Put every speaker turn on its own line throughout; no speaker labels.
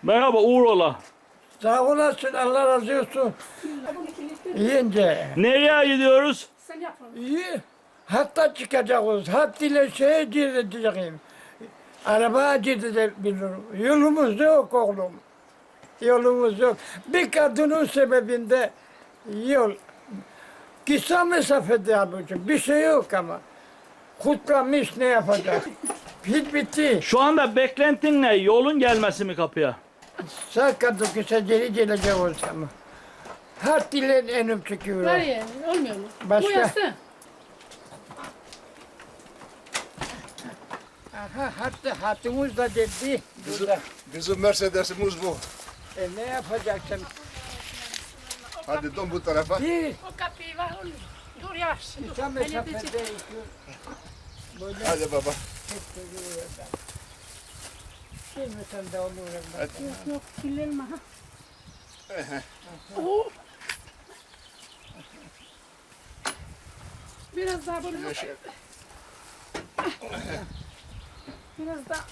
Merhaba, Uğur ola.
Sağ olasın, Allah razı olsun. Yiyince.
Nereye gidiyoruz?
İyi. Hatta çıkacağız. Hatta ile şeye gideceğim. Arabaya gidebilirim. Yolumuz yok oğlum. Yolumuz yok. Bir kadının sebebinde yol. Kısa mesafede ablacığım. Bir şey yok ama. Kutlamış ne yapacak? Hiç bitti.
Şu anda beklentin ne? Yolun gelmesi mi kapıya?
Sağ kadın kısa geri gelecek olsam. Hatta ile önüm çıkıyor.
Var ya, olmuyor mu?
Başka?
Bu yassı.
Aha, hatta hatımız da dedi. Burada.
Bizim Mercedes'imiz bu.
Ne yapacaksın?
Hadi dön bu tarafa.
Bir
O kapıyı var, olmuyor. Dur yavaş.
kısa mesafede böyle
Hadi baba.
girmesen de olur.
Yok yok, kirlenme ha. Oo. Biraz daha böyle. Biraz daha.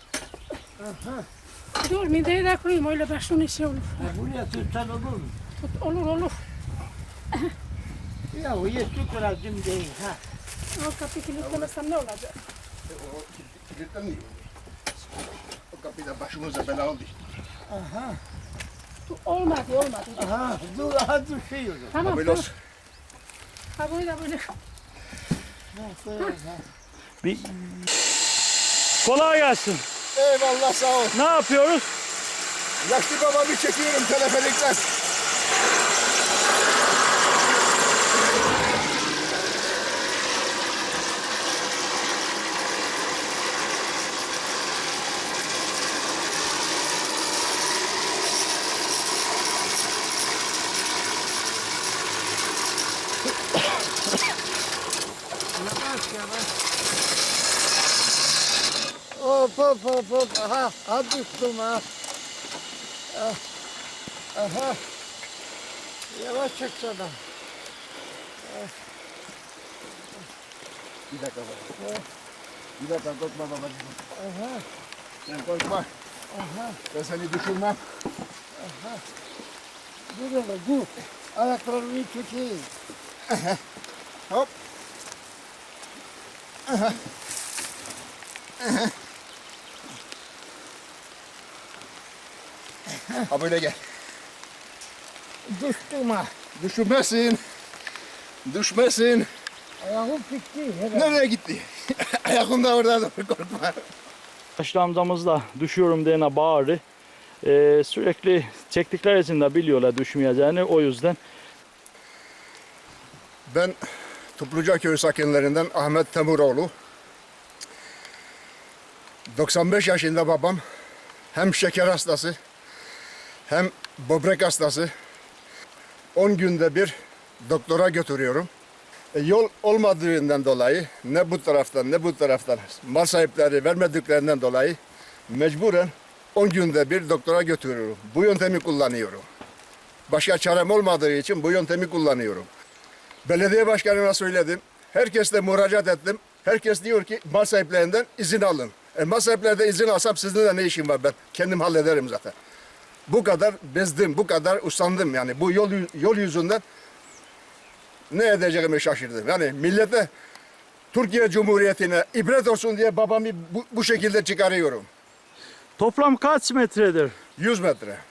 Dur, mideyi de koyayım, öyle başının işi olur.
Buraya tutsan olur mu?
Tut, olur olur.
Ya o yetki lazım değil ha.
O kapıyı kilitlemesem ne olacak?
O kilitlenmiyor. O kapıda başımıza bela oldu.
Aha.
Dur, olmadı olmadı.
Aha. Dur aha düşüyor.
Tamam
Böyle
tamam.
olsun.
Ha böyle böyle.
Bir... Kolay gelsin.
Eyvallah sağ ol.
Ne yapıyoruz?
Yaşlı babamı çekiyorum teleferikten.
Hop hop hop hop. Aha. Ha düştüm ha. Ah. Aha. Yavaş çeksene.
Bir dakika baba. Bir dakika korkma babacığım.
Aha.
Sen korkma.
Aha.
Ben seni düşürmem.
Dur hele dur. Ayaklarını tutayım.
Hop. Ha böyle gel.
Düştüm ha.
Düşürmesin. Düşmesin.
Ayağım gitti. Hele.
Nereye gitti? Ayakım da orada dur korkma.
Yaşlı amcamız da düşüyorum diyene bağırdı. Sürekli çektikleri için de biliyorlar düşmeyeceğini. O yüzden
Ben Topluca Köyü sakinlerinden Ahmet Temuroğlu. 95 yaşında babam hem şeker hastası hem böbrek hastası. 10 günde bir doktora götürüyorum. Yol olmadığından dolayı ne bu taraftan ne bu taraftan mal sahipleri vermediklerinden dolayı mecburen 10 günde bir doktora götürüyorum. Bu yöntemi kullanıyorum. Başka çarem olmadığı için bu yöntemi kullanıyorum. Belediye başkanına söyledim. Herkesle müracaat ettim. Herkes diyor ki mal sahiplerinden izin alın. Mal sahiplerinden izin alsam sizinle ne işim var ben? Kendim hallederim zaten. Bu kadar bezdim, bu kadar usandım yani. Bu yol yüzünden ne edeceğimi şaşırdım. Yani millete, Türkiye Cumhuriyeti'ne ibret olsun diye babamı bu şekilde çıkarıyorum.
toplam kaç metredir?
100 metre.